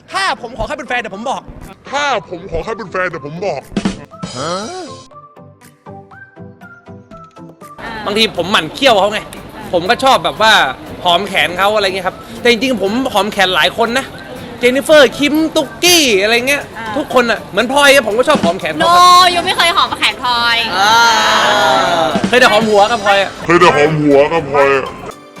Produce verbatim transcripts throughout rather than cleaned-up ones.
ถ้าผมขอแค่เป็นแฟนเดี๋ยวผมบอกถ้าผมขอแค่เป็นแฟนเดี๋ยวผมบอกบางทีผมหมั่นเคี้ยวเขาไงผมก็ชอบแบบว่าหอมแขนเขาอะไรเงี้ยครับแต่จริงๆผมหอมแขนหลายคนนะเจนนิเฟอร์คิมตุ๊กกี้อะไรเงี้ยทุกคนอ่ะเหมือนพลอยผมก็ชอบหอมแขนโนเขายูไม่เคยหอมแขนพลอยเคยแต่หอมหัวกับพลอยอ่ะเคยแต่หอมหัวกับพลอยอ่ะ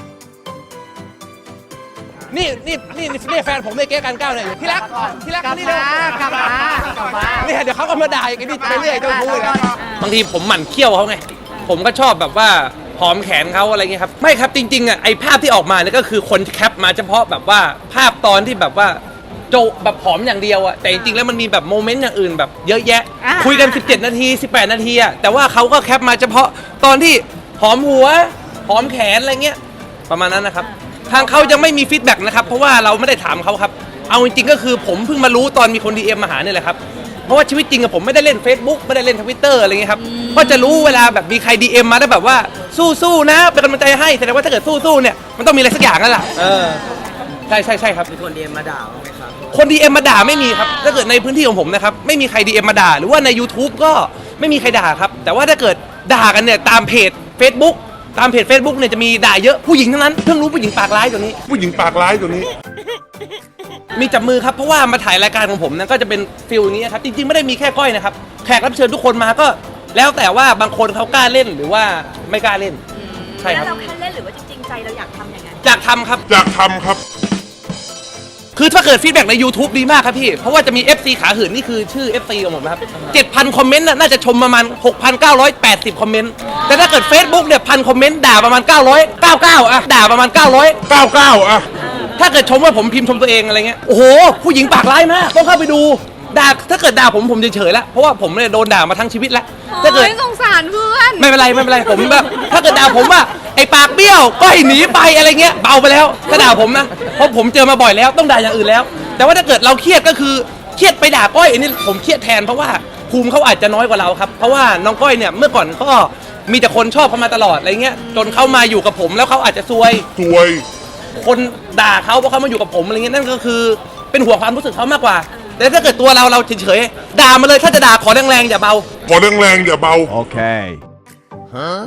นี่นี่นี่นี่แฟนผมในเก๊กันก้าวเนี่ยที่รักที่รักนี่เร็วกลับมากลับมาเนี่ยเดี๋ยวเขาก็มาด่าอย่างนี้ไปเรื่อยเจ้าชู้เลยบางทีผมหมั่นเคี้ยวเขาไงผมก็ชอบแบบว่าหอมแขนเขาอะไรเงี้ยครับไม่ครับจริงๆอ่ะไอภาพที่ออกมาเนี่ยก็คือคนแคปมาเฉพาะแบบว่าภาพตอนที่แบบว่าโจแบบหอมอย่างเดียวอ่ะแต่จริงๆแล้วมันมีแบบโมเมนต์อย่างอื่นแบบเยอะแยะคุยกันสิบเจ็ดนาทีสิบแปดนาทีอ่ะแต่ว่าเขาก็แคปมาเฉพาะตอนที่หอมหัวหอมแขนอะไรเงี้ยประมาณนั้นนะครับทางเขายังไม่มีฟีดแบ็กนะครับเพราะว่าเราไม่ได้ถามเขาครับเอาจริงๆก็คือผมเพิ่งมารู้ตอนมีคน ดี เอ็ม มาหาเนี่ยแหละครับเพราะว่าชีวิตจริงอะผมไม่ได้เล่น Facebook ไม่ได้เล่น Twitter อะไรเงี้ยครับก็จะรู้เวลาแบบมีใคร ดี เอ็ม มาแล้วแบบว่าสู้ๆนะเป็นกำลังใจให้แสดงว่าถ้าเกิดสู้ๆเนี่ยมันต้องมีอะไรสักอย่างนั่นแหละเออใช่ใช่ใช่ครับมีคน ดี เอ็ม มาด่าบ้างไหมครับคน ดี เอ็ม มาด่าไม่มีครับถ้าเกิดในพื้นที่ของผมนะครับไม่มีใคร ดี เอ็ม มาด่าหรือว่าใน YouTube ก็ไม่มีใครด่าครับแต่ว่าถ้าเกิดด่ากันเนี่ยตามเพจ Facebook ตามเพจ Facebook เนี่ยจะมีด่าเยอะผู้หญิงทั้งนั้นเพิ่งรู้ผู้หญิงปากร้ายตัวนี้ผู้หญิงปากร้ายตัวนี้มีจับมือครับเพราะว่ามาถ่ายรายการของผมนะก็จะเป็นฟิลอย่างนี้ครับจริงๆไม่ได้มีแค่ก้อยนะครับแขกรับเชิญทุกคนมาก็แล้วแต่ว่าบางคนเขากล้าเล่นหรือว่าไม่กล้าเล่นใช่ครับแล้วเราแค่เล่นหรือว่าจริงๆใจเราอยากทำอย่างนั้นอยากทำครับอยากทำครับคือถ้าเกิดฟีดแบ็กใน YouTube ดีมากครับพี่เพราะว่าจะมี เอฟ ซี ขาหื่นนี่คือชื่อ เอฟ ซี ของผมนะครับ เจ็ดพัน คอมเมนต์น่าจะชมประมาณ หกพันเก้าร้อยแปดสิบ คอมเมนต์แต่ถ้าเกิด Facebook เนี่ยพันคอมเมนต์ด่าประมาณเก้าร้อยเก้าสิบเก้าอะด่าประมาณเก้าร้อยเก้าสิบเก้าอะถ้าเกิดชมว่าผมพิมพ์ชมตัวเองอะไรเงี้ยโอ้โหผู้หญิงปากร้ายมากต้องเข้าไปดูด่าถ้าเกิดด่าผมผมเฉยๆแล้วเพราะว่าผมเนี่ยโดนด่ามาทั้งชีวิตแล้วถ้าเกิดสงสารเพื่อนไม่เป็นไรไม่เป็นไรผมแบบถ้าเกิดด่าผมว่าไอ้ปากเบี้ยวก็ให้หนีไปอะไรเงี้ยเบาไปแล้วถ้าด่าผมนะเพราะผมเจอมาบ่อยแล้วต้องด่าอย่างอื่นแล้วแต่ว่าถ้าเกิดเราเครียดก็คือเครียดไปด่าก้อยอันนี้ผมเครียดแทนเพราะว่าภูมิเขาอาจจะน้อยกว่าเราครับเพราะว่าน้องก้อยเนี่ยเมื่อก่อนก็มีแต่คนชอบเขามาตลอดอะไรเงี้ยจนเขามาอยู่กับผมแล้วเขาอาจจะซวยซวยคนด่าเขาเพราะเขามาอยู่กับผมอะไรเงี้ยนั่นก็คือเป็นห่วงความรู้สึกเขามากกว่าแต่ถ้าเกิดตัวเราเราเฉยๆด่ามาเลยถ้าจะด่าขอแรงๆอย่าเบาขอแรงๆอย่าเบาโอเคฮะ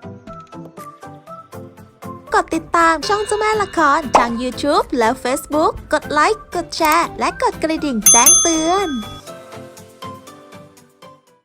กดติดตามช่องเจ้าแม่ละครทาง YouTube และ Facebook กดไลค์กดแชร์และกดกระดิ่งแจ้งเตือน